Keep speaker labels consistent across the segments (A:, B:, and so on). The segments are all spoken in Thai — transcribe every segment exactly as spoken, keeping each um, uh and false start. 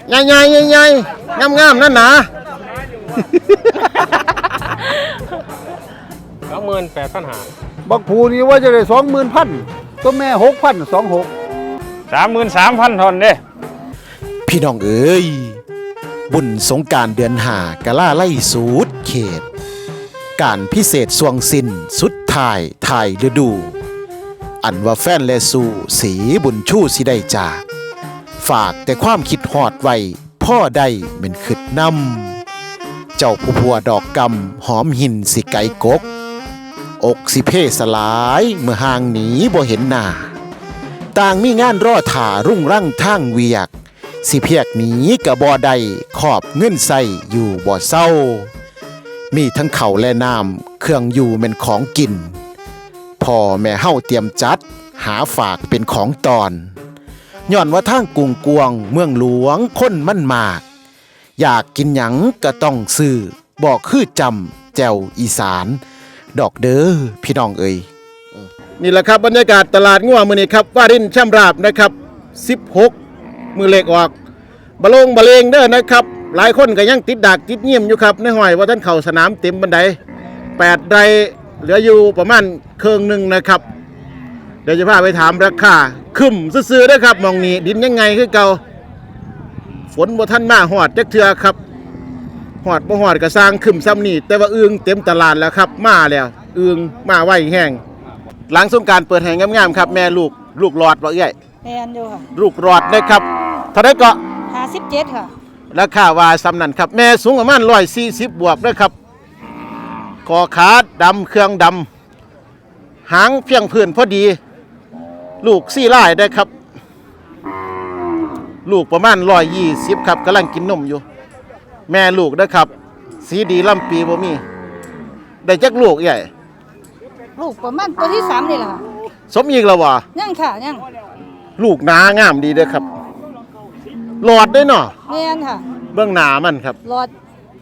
A: ใหญ่ใหญ่ใหญ่ใหญ่งามงามนั่นหนา
B: สองหมื่นแปดพันหา
C: บักผูนี่ว่าจะได้สองหมื่นพันตัวแม่หกพันสองหก
B: สามหมื่นสามพันทนเด้
D: พี่น้องเอ๋ยบุญสงกรานต์เดือนห้ากะล่าไล่สูดเขตการพิเศษสวงสินสุดท้ายถ่ายฤดูอันว่าแฟนและสู่สีบุญชูสิได้จากฝากแต่ความคิดหอดไว้พ่อได้เป็นขึ้นนำเจ้าผู้ผัวดอกกำหอมหินสิไก่กกอกสิเพสลายเมื่อห่างหนีบ่เห็นหน้าต่างมีงานรอถ่ารุ่งรั่งทางเวียกสิเพียกหนีกะบ่ได้ขอบเงินใส่อยู่บ่เศร้ามีทั้งเข่าและน้ำเครื่องอยู่เป็นของกินพ่อแม่เฮาเตรียมจัดหาฝากเป็นของตอนย้อนว่าทางกรุงกวงเมืองหลวงคนมันมากอยากกินหยังก็ต้องซื้อบอกคือจำแจ่วอีสานดอกเด้อพี่น้องเอ่ย
A: นี่แหละครับบรรยากาศตลาดงัวมื้อนี้ครับวารินช่ำราบนะครับสิบหกมือเล็กออกบะลงบะเลงเด้อนะครับหลายคนก็ยังติดดักติดเงียบอยู่ครับในห้อยว่าท่านเข่าสนามเต็มบันไดแปดไร่เหลืออยู่ประมาณเครื่องหนึ่งนะครับเดี๋ยวจะพาไปถามราคาขึ้นซื้อๆนะครับมองนี้ดินยังไงคือเก่าฝนบ่ท่านมาหอดจักเทือครับหอดบ่หอดก็สร้างขึ้นซ้ำนี่แต่ว่าอึงเต็มตลาดแล้วครับมาแล้วอึงมาไวแห้งหลังสงกรานต์เปิดแห่งงามๆครับแม่ลูกลูกหลอดบ่เอ้ย
E: แมนอยู่ค่ะ
A: ลูกหลอดนะครับเท่าไรก็
E: ห้าสิบเจ็ดค่ะ
A: ราคาว่าซ้ำนั่นครับแม่สูงประมาณร้อยสี่สิบบวกด้วยครับคอขาดำเครื่องดำหางเพียงพื้นพอดีลูกสี่ไร่ได้ครับลูกประมาณร้อยยี่สิบครับกำลังกินนมอยู่แม่ลูกได้ครับสีดีลำปีบ่มีได้จักลูกใหญ่
E: ลูกประมาณตัวที่สามนี่แหละค่ะ
A: สมอีกแล้ววะ
E: ยังค่ะยัง
A: ลูกหนางามดีเด้อครับหลอดได้เนาะ
E: แมนค่ะ
A: เบื้องหนามันครับ
E: หลอด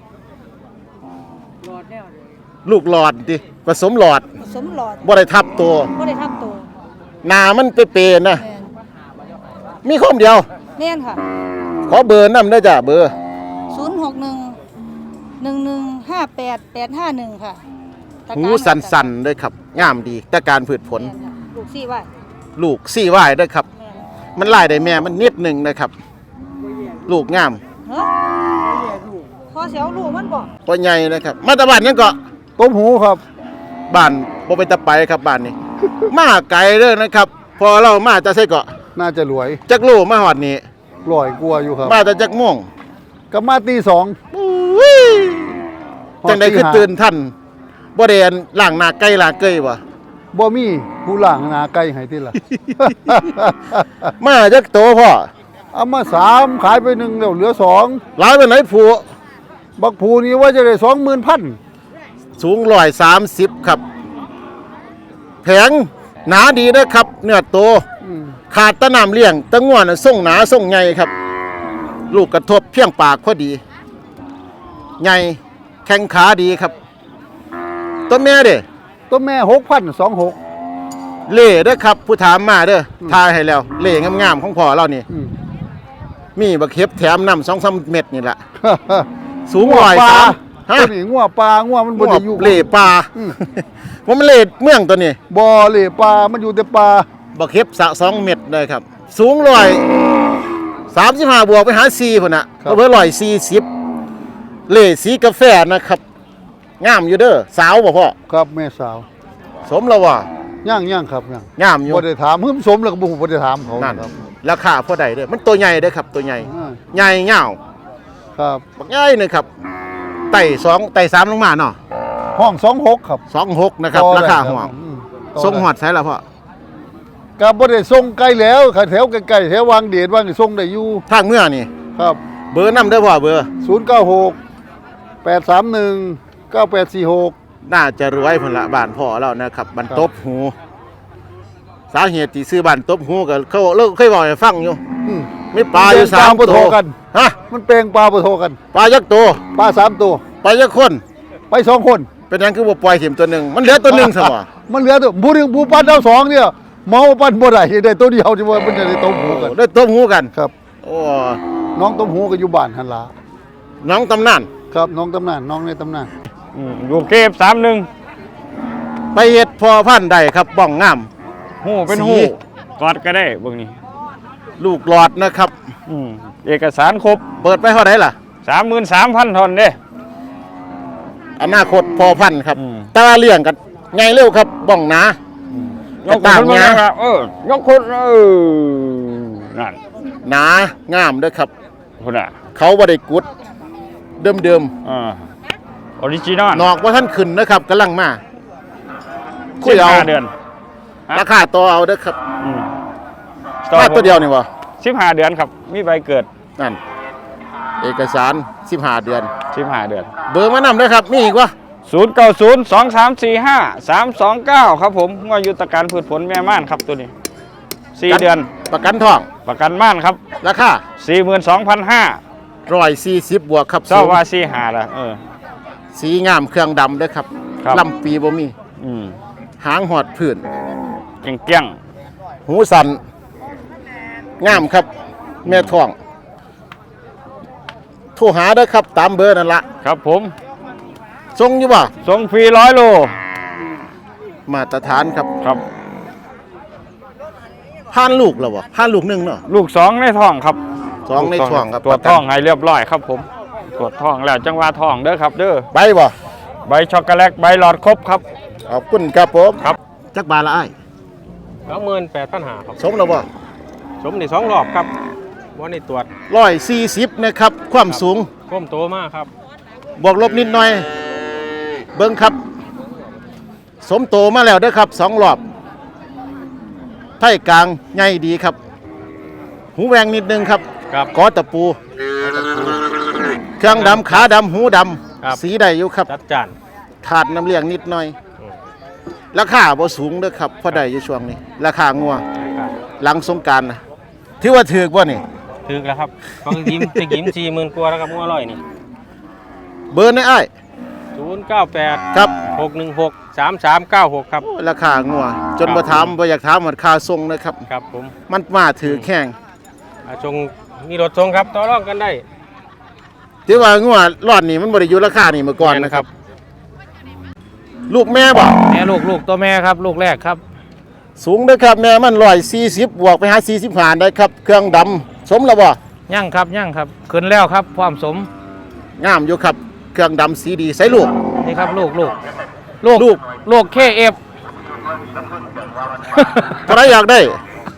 A: ลูกหลอดดิผสมหลอด
E: ผสมหลอด
A: บ่ได้ทับตัว
E: บ่ได้ทับตัว
A: หนามันเปรย์ๆนะมีข้อมเดียว
E: แมนค่ะ
A: ขอเบอร์นำได้จ้ะเบอร์
E: ศูนย์หกหนึ่งหนึ่งหนึ่งห้าแปดแปดห้าหนึ่งค่ะ
A: หูสันๆด้วยครับงามดีแต่การผืดผล
E: ลูกสี่ว่าย
A: ลูกสี่ว่ายด้วยครับมันไล่ได้แม่มันนิดหนึ่งนะครับลูกงาม
E: พอเสียวลูกมันบอก
A: ตัวใหญ่นะครับมาตะบ้านยังเกาะ
C: ต้มหูครับ
A: บ้านบ่ไปตะไปครับบ้านนี้มาไกลเลยนะครับพอเรามาจะใส่เกาะ
C: น่าจะรวย
A: จักลูกมาหอดนี่
C: ลอยกลัวอยู่ครับ
A: มาแต่จักม่วง
C: กับมาตีสอง
A: จังได้ขึ้นตื่นท่านบ่ได้ล่างหน้าไก่ล่างเกยบ่
C: บ่มีผู้ล่างหน้าไก่ให้ที่ละ
A: มาจักโตพ่อ
C: เอามาสามขายไปหนึ่งแล้วเหลือสอง
A: หลายไปไหนผู
C: บักผูนี่ว่าจะได้สองหมื่นพัน
A: สูงร้อยสามสิบครับแผงหนาดีนะครับเนื้อโตขาดตะน้ำเลี้ยงตะง่วนส่งหนาส่งใหญ่ครับลูกกระทบเพียงปากพอดีใหญ่แข้งขาดีครับต้นแม่เด้
C: ต้นแม่หกพันสองหก
A: เล่เด้อครับผู้ถามมาเด้อทายให้แล้วเล่งามๆของพ่อเรานี่มีบักเข็บแถมน้ำสองสามเม็ดนี่แหละสูงร้อยสาม
C: ฮะนี่งัวปลางัวมันบนอยู่
A: เล่ปลาว่ามันเล่เมืองตัวนี้
C: บ่อเล่ปลามันอยู่แต่ปลา
A: บักเข็บสะสองเม็ดเลยครับสูงร้อยสามสิบห้าบวกไปหาสี่พุ่นน่ะเบอร์ร้อยสี่สิบเล่สีกาแฟนะครับงามอยู่เด้อสาวบ่พ่อ
C: ครับแม่สาว
A: สมแล้วว่ะ
C: ย่างย่างครับย่าง
A: งามอยู่
C: บ่ได้ถามหึมสมแล้วก็บ่บ่ได้ถามเขา
A: นั่นราคาพอได้เด้อมันตัวใหญ่เด้อครับตัวใหญ่ใหญ่ยาว
C: ครับ
A: บักใหญ่เลยครับไต่สองไต่สามลงมาเนาะ
C: ห้องสองหกครับ
A: สองหกนะครับราคาห้องทรงหอดใช่แล้วพ่อ
C: ก็บ่ได้ส่งไกลแล้วแถวใกล้ๆแถววางเดชวางส่งได้อยู่
A: ทางเมื่อนี่
C: ครับ
A: เบอร์นำเด้อพ่อเบอร์
C: ศูนย์เก้าหก แปดสามหนึ่ง เก้าแปดสี่หก
A: น่าจะรวยพุ่นละบ้านพ่อแล้วนะครับบ้านตบหูสาเหตุที่ซื้อบ้านตบหูก็เขาเลิกเคยบอกให้ฟังอยู่มีปลาอยู่สามตัว
C: กัน
A: ฮะ
C: มันแปลงปลาปะโทกัน
A: ปลายักษ์ตัว
C: ปลาสามตัว
A: ปลายักษ์คน
C: ไปสองคน
A: เป็นยังคือว่าปล่อยเข็มตัวหนึ่งมันเหลือตัวหนึ่งสมอ
C: มันเหลือตัวผู้หนึ่งผู้ปั้นเท่าสองเนี่ยเมาปั้นบ่ได้ได้ตัวเดียวที่ว่ามันจะได้ตัวหูกัน
A: ได้ตัวหูกัน
C: ครับ
A: โอ้
C: น้องต้มหูก็อยู่บ้านหันละ
A: น้องตำนาน
C: ครับน้องตำนานน้องในตำนาน
B: อืมอยู่เก็บสามหนึ่ง
A: ไปเฮ็ดพอพันธุ์ได้ครับบ้องงาม
B: หูเป็น
A: สี
B: หูกอดก็ได้เบิ่งนี่
A: ลูกหลอดนะครับ
B: อืมเอกสารครบ
A: เปิดไปเท่าไหร่ล่ะ
B: สามหมื่นสามพันทอนเด้
A: อนาคตพอพันธุ์ครับ
B: อืม
A: ตาเลี้ยงกันไงเร็วครับบ้องหนาย
B: กคนมาแล้วเออยกคนเออนั่น
A: หนางามเด้อครับ
B: คนน่ะ
A: เขาบ่ได้กุดเดิม
B: อ่าออริจินอล
A: ๆนอกว่าท่านขึ้นนะครับกำลังมาคุ
B: สิ
A: ย
B: บ
A: เอา
B: ห้าเดือน
A: ราคาต่อเอาเด้อครับ
B: อืม
A: มาตัวเดียวนี่บ่
B: สิบห้าเดือนครับมีใบเกิด
A: นั่นเอกสารสิบห้าเดือน
B: สิบห้าเดือน
A: เบอร์มานำเด้อครับมีอีกวะ
B: ศูนย์เก้าศูนย์สองสามสี่ห้าสามสองเก้าครับผมงอยุตการพืชผลแม่ม่านครับตัวนี้สี่เดือน
A: ประกันทอง
B: ประกันม่านครับ
A: ราคา
B: สี่หมื่นสองพันห้า
A: ร้อยสี่สิบบวกครับ
B: เจ้า
A: สูง
B: ว่าสี่หาละเออ
A: สีงามเครื่องดำเด้อครับ
B: ครับ
A: ลำปีบ่มี
B: อืม
A: หางหอดผื่น
B: เก่งเกี้ยง
A: หูสันงามครับ แม่ท้องโทรหาเด้อครับตามเบอร์นั่นละ
B: ครับผม
A: ทรงอยู่บ่
B: ส่งฟรีร้อยโล
A: มาตรฐานครับ
B: ครับ
A: ผ่านลูกแล้วบ่ผ่านลูกหนึงเนาะ
B: ลูกสองในท้องครับ
A: สองในท้องครับ
B: ตรวจท้องให้เรียบร้อยครับผมตรวจท้องแล้วจังหวะท้องเด้อครับ เด้อ
A: ไปบ่
B: ใบช็อกโกแลตใบหลอดครบครับ
A: ขอบคุณครับผม
B: ครับ
A: จักบาทละอ้าย
B: สองหมื่นแปดพันหาครับ
A: สมแล้วบ่
B: สมในสองรอบครับวันนี้ตรวจ
A: ร้อยสี่สิบนะครับ ความสูง
B: ก้มโตมากครับ
A: บวกลบนิดหน่อย เบิ้งครับ สมโตมาแล้วเด้อครับสองรอบไท่กลางใหญ่ดีครับ หูแหวงนิดนึงครับ
B: ครับ
A: กอตะปู เครื่องดำขาดำหูด
B: ครับ
A: ำสีได้อยู่ครับ
B: จัดจาน
A: ขาดน้ำเลี้ยงนิดหน่อย ราคาบ่สูงเด้อครับพอได้อยู่ช่วงนี้ ราคางัวหลังสงกรานต์นะถือว่าถือว่านี่
B: ถึกแล้วครับฟังยิ้มไปยิ้มสี่หมื่นกว่าแล้วครับงัวอร่อยนี่
A: เบอร์ในอ้าย
B: ศูนย์เก้าแปด
A: ครับ
B: หกหนึ่งหกสามสามเก้าหกครับ
A: โอ้ยราคางัว จน
B: ครับ
A: บ่ถามบ่อยากถามมันค่าส่งนะครับ
B: ครับผม
A: มันมาถือแข่ง
B: อ่าชงมีรถชงครับต่อรองกันได้
A: ถือว่างัวรอดนี่มันบ่ได้อยู่ราคานี่เมื่อก่อนนะครับ ลูกแม่บ่
B: แม่ลูกลูกตัวแม่ครับลูกแรกครับ
A: สูงเด้อครับแม่มันร้อยสี่สิบบวกไปหาสี่สิบห้าได้ครับ เครื่องดำสมแล้วบ่
B: ยั่งครับยั่งครับขึ้นแล้วครับความสม
A: งามอยู่ครับ เครื่องดำสีดีใส่ลูก
B: นี่ครับลูกลูกลูก
A: ลูก
B: ลูกเคเอฟ
A: ใครอยากได้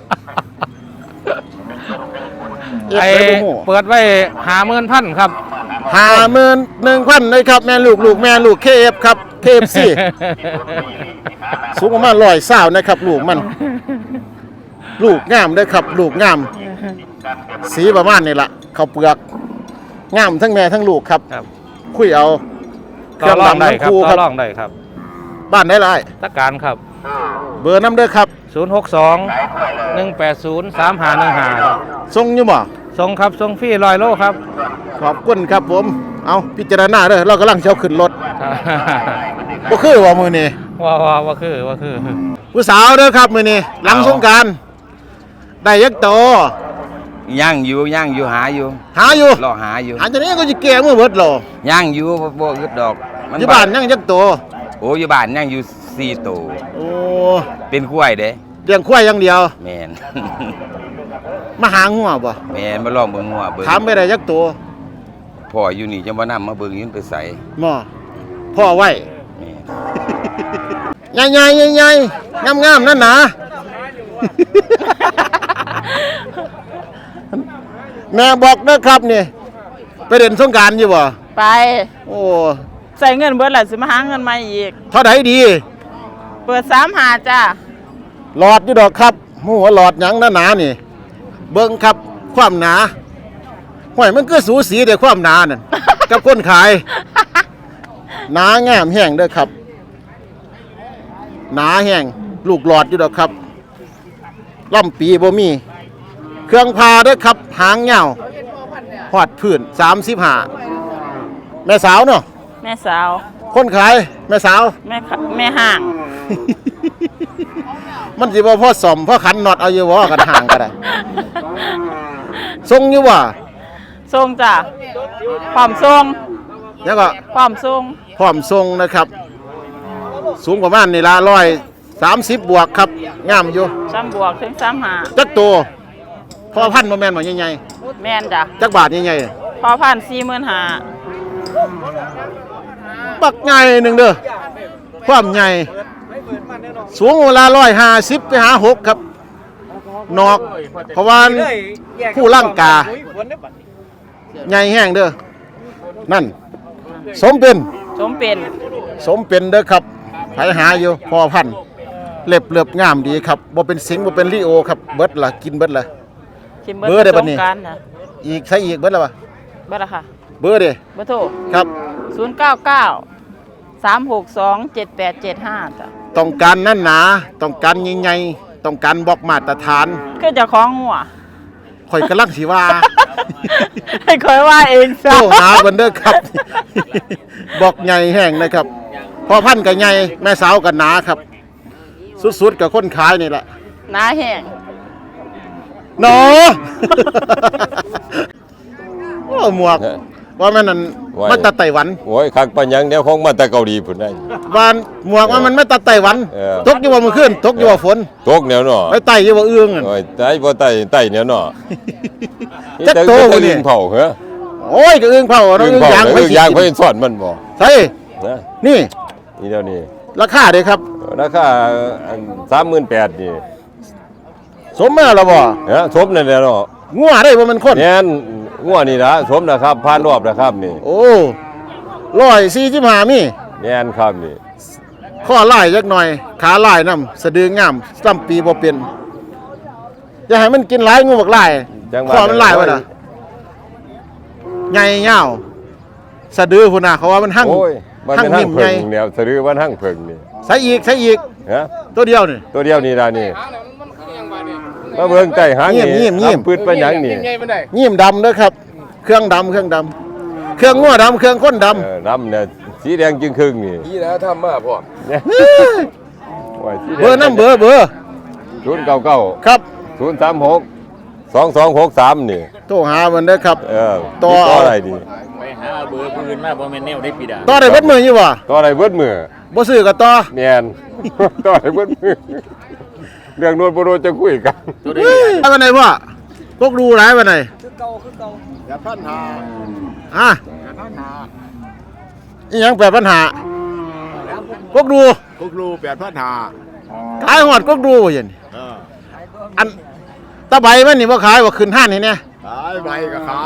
A: เอฟ
B: ไอ
A: ไปบ่ฮู้
B: เปิดไว้หาหมื่นพันครับ
A: ห้าหมื่นหนึ่งพันเลยครับแม่ลูกลูกแม่ลูกเคเอฟครับเคเอฟซี สูงประมาณร้อยสาวนะครับ ลูกมัน ลูกงามเด้อครับ ลูกงาม สีประมาณนี่ละข้าวเปลือกงามทั้งแม่ทั้งลูกครับ
B: ครับ
A: คุยเอาเค
B: ต่อ
A: รื่อง
B: รอง
A: ดำ
B: ได้
A: ทั้ง
B: ครับ
A: คู่
B: ต่
A: ค
B: อ
A: รับ
B: รองได้ครับ
A: บ้านได้ไร
B: ตะการครับ
A: เบอร์น้ำเด้อครับ
B: ศูนย์หกสองหนึ่งแปดศูนย์สามห้าหนึ่งห้าครับ
A: ทรงอยู่บ่
B: ส่งครับส่งฟรีร้อยโลครับ
A: ขอบคุณครับผม เอาพิจารณาเด้อเรากำลังเช้าขึ้นรถบ่คือว่ามือนี้
B: ว่าว่าว่าคือว่าคือ
A: ผู้สาวเด้อครับมือนี้หลังสงกรารได้ยักษ์โต
F: ย่างอยู่ย่างอยู่หาอยู่
A: หาอยู่
F: รอหาอยู่
A: หาจากนี้ก็จะแก่มือเบิดหรอย่าง
F: อยู่บ่บ่อึดดอกมั
A: อยู่บ้านยังยักษ์โต
F: โอ้อยู่บ้านย่างอยู่สี่ตัว
A: โอ้
F: เป็นกล้วยเด้
A: เลี้ยงควายอย่างเดียว
F: แม่น
A: มาหางัวบ่
F: แม่นมาลองเบิ่งงัวเบิ่ง
A: ถามไปได้ยักษ์โต
F: พ่ออยู่นี่จังบ่นำมาเบิ่งยืนไปใส่
A: หม้อพ่อไว้
F: แม่น
A: ใหญ่ๆใหญ่ๆงามๆนั่นหนา แม่บอกเด้อครับนี่ไปเด่นสงกรารอยู่บ่
G: ไป
A: โอ้
G: ใส่เงินเบิดแหละสิมาหาเงินมาอีก
A: เท่าไหดี
G: เปิดสามหาจ้า
A: หลอดอยู่ดอกครับหมูว่าหลอดหยังหนาๆนี่ เบิ่งครับความหนาห้วยมันก็สูสีแต่ความหนานั่น กับคนขายหนางามแห้งเด้อครับ หนาแห้งลูกหลอดอยู่ดอกครับล่ำปีบ่มี เครื่องพาเด้อครับ หางเงาหอดพื้นสามสิบห้าแม่สาวเนาะ
G: แม่สาว
A: คนขายแม่สาว
G: แม่ขแม่ห่าง
A: มันสิบ่พอสมพอขันน็อตเอาอยู่บ่กันห่างก็ได้ทรงอยู่ว่า
G: ทรงจ้ะความทรง
A: แล้วก็
G: ความทรง
A: พร้อมทรงนะครับ สูงประมาณนี่ละร้อยสามสิบบวกครับงามอยู่
G: ซ้ำบวกถึงซ้ำหา
A: จักโตพอพันบ่แม่นบ่ใหญ่
G: แม่นจ้ะ
A: ๆจักบาทใหญ่
G: พอพันสี่หมื่นหา
A: ๆบักใหญ่หนึ่งเด้อความใหญ่สูงเวลาร้อยห้าสิบไปหาหกครับนอกเพราะว่าผู้ร่างกาใหญ่แห้งเด้อนั่น สมเป็น
G: สมเป็น
A: สมเป็นเด้อครับไผหาอยู่พอพันธุ์เล็บเลือบงามดีครับบ่เป็นสิงห์บ่เป็นลิโอครับเบิดละกินเบิดละ
G: คิม
A: เบอร์ได้บัดนี้
G: สงกรานต์นะ
A: อีกใช้อีกเบิดละวะ
G: เบอร์ละค่ะ
A: เบอร์เด้
G: เบอร์โทร
A: ครับ
G: ศูนย์เก้าเก้าสามหกสองเจ็ดแปดเจ็ดห้าจ้ะ
A: ต้องการนั่นหนาต้องการใหญ่ๆต้องการบอกมาตรฐาน
G: คือเจะคล้าของหัว
A: ข่อยกำลังสิว่า
G: ให้คอยว่าเอง
A: โตหาเบิ่นเด้อครับ บอกใหญ่แห้งนะครับพอพันธุ์ก็ใหญ่แม่สาวก็หนาครับ สุดๆกับคนขายนี่แหละ
G: หน้าแห้ง
A: หนอ โอ้หมวกว่ามันนั่น
H: ไว้
A: มาตัดไต้หวัน
H: โอ้ยคักปัญญังเดี๋ยวคงมาแต่เกาหลีพุ่นได้
A: วานหมวกว่ามันไม่ตัดไต้หวัน
H: เออ
A: ตกอยู่ว่ามื้อคืนตกอยู่ว่าฝน
H: ตกแนวเนาะ
A: ไปไต่อยู่ว่าเอื้องอะ
H: โอ้ยไต้บ่ไต้ไต้แนวเนาะ
A: จักโต
H: นี่
A: พุ่น
H: แต่
A: นี่
H: อึ่งเผาเหรอ
A: โอ้ยก็เอื้องเผาเนาะ
H: อึ่ง
A: เอื้อง
H: เผาย
A: าง
H: เอ
A: ไป
H: อ
A: สิ
H: ยาง
A: กิ
H: เพิ่
A: น
H: นสอนมันบ่
A: ใช่
H: นะ
A: นี่
H: นี่เดี๋ยวนี้
A: ราคาเด้ครับ
H: ราคาอันสามหมื่นแปดพัน นี่
A: สมมาแล้วบ่
H: ฮะสมนั่นแหละเนาะ
A: งัวได้บ่แมันคน
H: แม่นงัวนี่ล่ะสมนะครับผ่านรอบนะครับนี่
A: โอ้ร้อยสี่สิบห้ามี
H: แม่นครับนี่
A: ข้อลายจักหน่อย ขาลายนำสะดืองามซ้ำปีบ่เป็นอย่าให้มันกินหลายงูบักลาย
H: จังหวะ
A: ข้อมันลายวะน่ะใหญ่ยาวสะดือพุ่นน่ะเขาว่ามันหั่ง
H: โอ้ยมัน
A: หั่ง
H: เป็นหั่
A: นิ่
H: ง
A: ม
H: เพิ
A: ใหญ่
H: งแล้วสะดือมันหั่งเพิงนี่
A: ใส่อีกใส่อีก
H: ฮะ
A: ตัวเดียวนี่
H: ตัวเดียวนี่ล่ะนี่มาเบิ่งใต้หางนี่
A: เงียบๆเงียบ
H: ทำพืชปัญญังนี่
A: ยิ้มดำเด้อครับ เครื่องดำเครื่องดำเครื่องงัวดำเครื่องข้นดำ
H: เออน้ำเนี่ยสีแดงจึงครึ่งนี่
F: นี่นะทำมาพ่อ
H: เนี่ยโอ้ยสีแดง
A: เบอร์น้ำเบอร์เบอร์
H: ศูนย์เก้าเก้า
A: ครับ
H: ศูนย์สามหกสองสองหกสามนี่
A: โทรหามันเด้อครับ
H: เออ
A: ต่อ
H: ติดต่ออะไรดี
I: ไปหาเบอร์ปืนมาบ่แม่นแนวได้ปีดา
A: ต่อได้เบิดมืออยู่บ่
H: ต่ออะไรเบิดมือ
A: บ่ซื้อก็ต่อ
H: แมน ต่ออะไรเบิดมือเรื่องโน้นโบโนจะคุยกัน
A: เฮ้ยไปวันไหนพ่อพวกดูหลายวันไหน
C: อย่าพันหา
A: อ่ะ
C: อย่าพันหา
A: อีหยังแปดปัญหาพวกดู
C: พวกลูแปดพันหา
A: ขายหอดพวกดูบ่เห็น
C: เออ
A: อันตะใบมันนี่บ่ขายบ่ขึ้นห้านนี่เนี่ย
C: ขายใบก็ขาย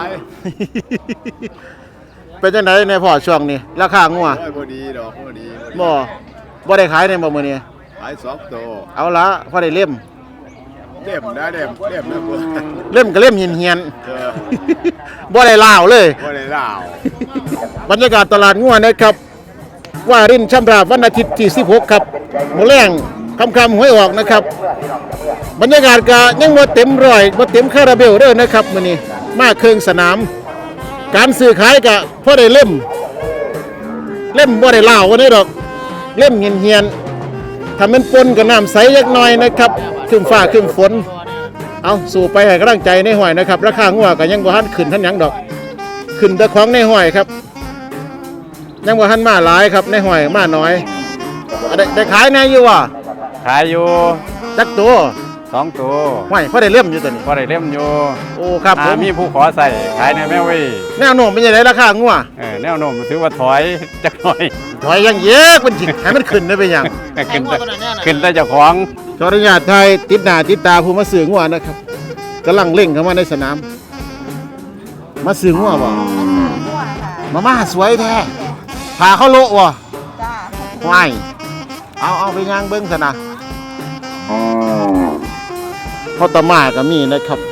A: เป็นจังไดในพ่อช่วงนี้ราคางัว
C: โอ้ยพอดีดอกพอดีพอดี
A: บ่บ่ได้ขายในบ่มื้อนี้
C: ขายสองตัว
A: เอาละพอได้เล่ม
C: เล่มได้เล่มเล่มนะเพื่อน
A: เล่มก็เล่มเหียน
C: เออ
A: ๆ บ่ได้ลาวเลย
C: บ่ได้เล่า
A: บรรยากาศตลาดงัวนะครับ ว่ารินช่ำราบวันอาทิตย์ที่สิบหกครับมื้อแรงค่ำๆหวยออกนะครับ บรรยากาศก็ยังบ่เต็มร้อยบ่เต็มคาราเบลเด้อนะครับมื้อนี้มาเครื่องสนาม การซื้อขายก็พอได้เล่ม เล่มบ่ได้ลาววันนี้ดอก เล่มเหียนๆถ้ามันปนกับน้ำใสจักหน่อยนะครับครึ้มฟ้าครึ้มฝน เอาสู่ไปให้กำลังใจในห้อยนะครับ ราคางัวก็ยังบ่ทันขึ้นทันหยังดอก ขึ้นแต่ของในห้อยครับ ยังบ่ทันมาหลายครับในห้อยมาน้อยอ่ะได้ได้ขายแน่อยู่ว่ะ
B: ขายอยู่
A: จักตัว
B: สองตัว
A: ห้อยพอได้เล่มอยู่ตัวนี้
B: พอได้เล่มอยู่
A: โอ้ครับผ
B: อ่าม มีผู้ขอใส่ขายในแม่เว้ย
A: แนวโน้มเป็นยังไงราคางัว
B: เออแนวโน้มถือว่าถอยจักหน่อย
A: ถอยยังเยอะมันจิให้มันขึ้นได้เป็นหยัง
B: ขึ้นแต่ขึ้นแต่เจ้าของ
A: ขออนุญาตไทยติดหน้าติดตาผู้มาซื้องัวนะครับกำลังเร่งเข้ามาในสนาม มาซื้องัวบ่มาม่าสวยแท้พาเขาโละว่ะ
E: จ้า
A: ควายเอาเอาไปย่างเบิ้งซะนะพอตะมาก็มีนะครับ